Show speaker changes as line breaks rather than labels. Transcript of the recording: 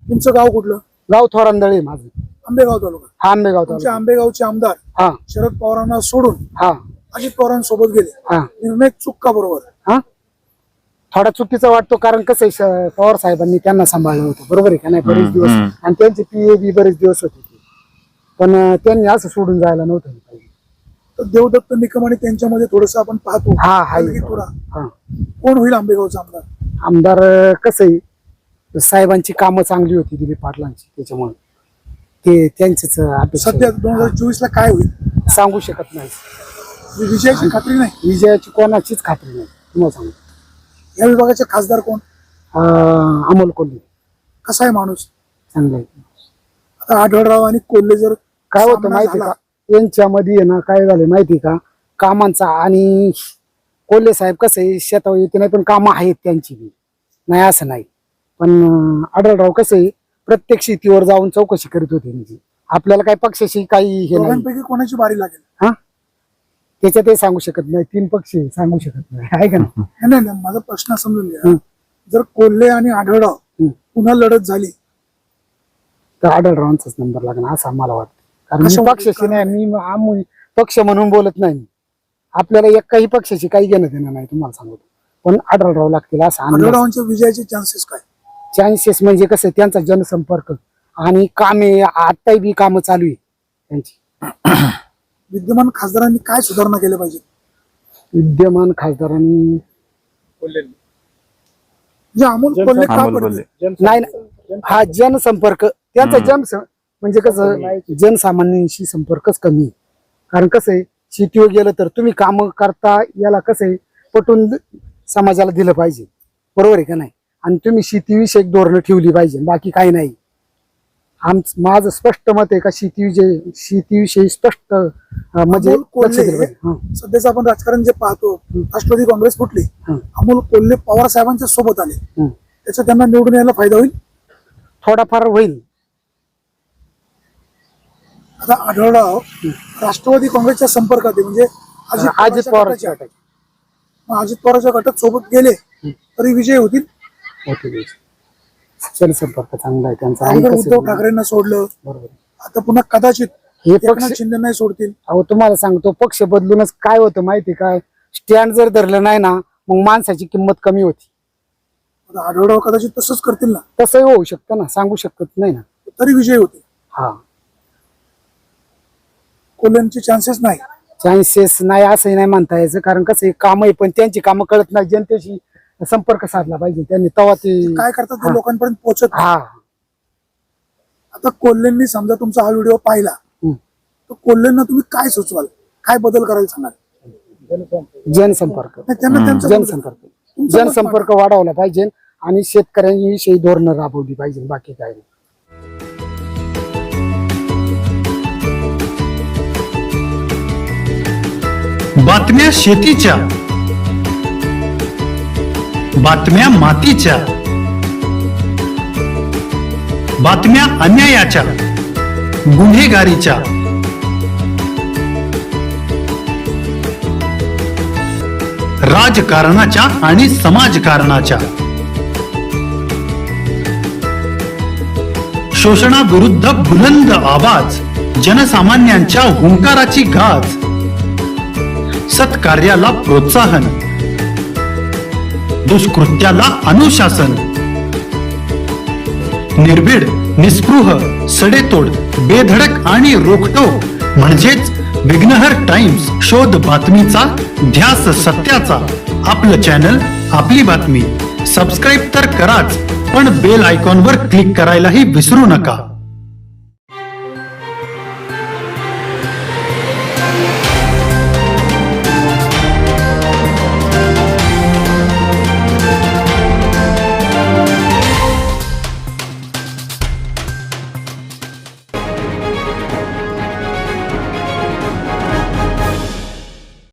तुमचं गाव कुठलं?
गाव थोरांदळे माझं.
आंबेगाव तालुका.
हा आंबेगाव
तुमचे
तालुका.
आंबेगावचे आमदार
हा
शरद पवारांना सोडून
हा
अजित पवारांसोबत गेले.
हा
निर्णय चूक का बरोबर?
हा थोडा चुकीचा वाटतो, कारण कसं आहे, पवार साहेबांनी त्यांना सांभाळलं होतं, बरोबर आहे का नाही, बरेच दिवस, आणि त्यांचे PA बी बरेच दिवस होते ते. पण त्यांनी असं सोडून जायला नव्हतं पाहिजे.
तर देवदत्त निकम आणि त्यांच्यामध्ये थोडस आपण पाहतो.
हा
थोडा
हा
कोण होईल आंबेगावचा आमदार?
आमदार कसं आहे, साहेबांची कामं चांगली होती दिलीप पाटलांची, त्याच्यामुळे ते त्यांचेच अपेक्षा
सध्या 2024 ला काय होईल
सांगू शकत नाही.
विजयाची खात्री नाही.
विजयाची कोणाचीच खात्री नाही, तुम्हाला सांगू.
या विभागाचे खासदार कोण?
अमोल कोल्हे.
कसा आहे माणूस?
चांगला आहे.
आता आढळराव आणि कोल्हे जर
काय होतं माहिती का, यांच्यामध्ये आहे ना, काय झालं माहिती का, कामांचा, आणि कोल्हे साहेब कसं आहे, शेतावर येते नाही, पण कामं आहेत त्यांची बी, नाही असं नाही. पण आढळराव कसं आहे, प्रत्येक शेतीवर जाऊन चौकशी करीत होते. म्हणजे आपल्याला काही पक्षाशी काही हे नाही.
दोघांपैकी कोणाची बारी लागेल?
हा त्याच्यात ते सांगू शकत नाही, 3 पक्ष सांगू शकत नाही, आहे का नाही?
नाही नाही, माझा प्रश्न समजून घ्या. जर कोल्हे आणि आढळराव पुन्हा लढत झाली
तर आढळरावांचाच नंबर लागणार असं आम्हाला वाटतं. कारण मी पक्षाशी नाही, मी पक्ष म्हणून बोलत नाही. आपल्याला एकाही पक्षाची काही घेणं देणं नाही, तुम्हाला सांगतो. पण आढळराव लागतील असं.
आढळरावांच्या विजयाचे चान्सेस काय?
चान्सेस म्हणजे कसं, त्यांचा जनसंपर्क आणि कामे, आताही बी कामं चालू आहे त्यांची.
विद्यमान खासदारांनी काय सुधारणा केल्या पाहिजे?
विद्यमान खासदारांनी
म्हणजे अमोल कोल्हे का पडले?
नाही, हा जनसंपर्क त्यांचा, म्हणजे कसं, जनसामान्यांशी संपर्कच कमी आहे. कारण कसं आहे, शेतीवर गेलं तर तुम्ही काम करता, याला कसं आहे, पटून समाजाला दिलं पाहिजे, बरोबर आहे का नाही? आणि तुम्ही शेतीविषयक धोरणं ठेवली पाहिजे, बाकी काही नाही. माझं स्पष्ट मत आहे का शेतीविषयी स्पष्ट म्हणजे
सध्याचं आपण राजकारण जे पाहतो, राष्ट्रवादी काँग्रेस फुटली, अमोल कोल्हे पवार साहेबांच्या सोबत आले, त्याचा त्यांना निवडून यायला फायदा होईल?
थोडाफार होईल.
आता आढळराव राष्ट्रवादी काँग्रेसच्या संपर्कात आहे, म्हणजे
अजित पवारच्या गटात.
अजित पवारच्या गटात सोबत गेले तरी विजय होतील.
जनसंपर्क चांगला आहे त्यांचा.
उद्धव ठाकरेंना सोडलं,
बरोबर.
आता पुन्हा कदाचित
हे
एकनाथ शिंदे नाही सोडतील.
अहो तुम्हाला सांगतो, पक्ष बदलूनच काय होतं माहिती काय, स्टँड जर धरलं नाही ना, मग माणसाची किंमत कमी होती.
आढळराव कदाचित तसंच करतील ना?
तसंही होऊ शकतं ना, सांगू शकत नाही ना.
तरी विजय होते.
हा,
कोल्ह्यांचे चान्सेस नाही.
चान्सेस नाही असंही नाही म्हणता यायचं, कारण कसं काम आहे, पण त्यांची कामं कळत नाही. जनतेशी संपर्क साधला पाहिजे त्यांनी, तेव्हा ते
काय करतात ते लोकांपर्यंत पोहोचत.
हा,
आता कोल्हेंनी समजा तुमचा हा व्हिडिओ पाहिला, तर कोल्हेंना तुम्ही काय सुचवाल, काय बदल करायला सांगाल?
जनसंपर्क जनसंपर्क वाढवला पाहिजे, आणि शेतकऱ्यांविषयी धोरणं राबवली पाहिजे, बाकी काय नाही.
बातम्या शेतीच्या, बातम्या मातीच्या, बातम्या अन्यायाच्या, गुन्हेगारीच्या, राजकारणाच्या आणि समाजकारणाच्या, शोषणाविरुद्ध बुलंद आवाज, जनसामान्यांच्या हुंकाराची गाज, सत्कार्याला प्रोत्साहन, दुष्कृत्याला अनुशासन, निर्भीड, निस्पृह, सडेतोड, बेधडक आणि रोखटोक म्हणजेच विघ्नहर टाइम्स. शोध बातमीचा, ध्यास सत्याचा. आपलं चॅनल, आपली बातमी. सबस्क्राईब तर कराच, पण बेल आयकॉनवर क्लिक करायलाही विसरू नका.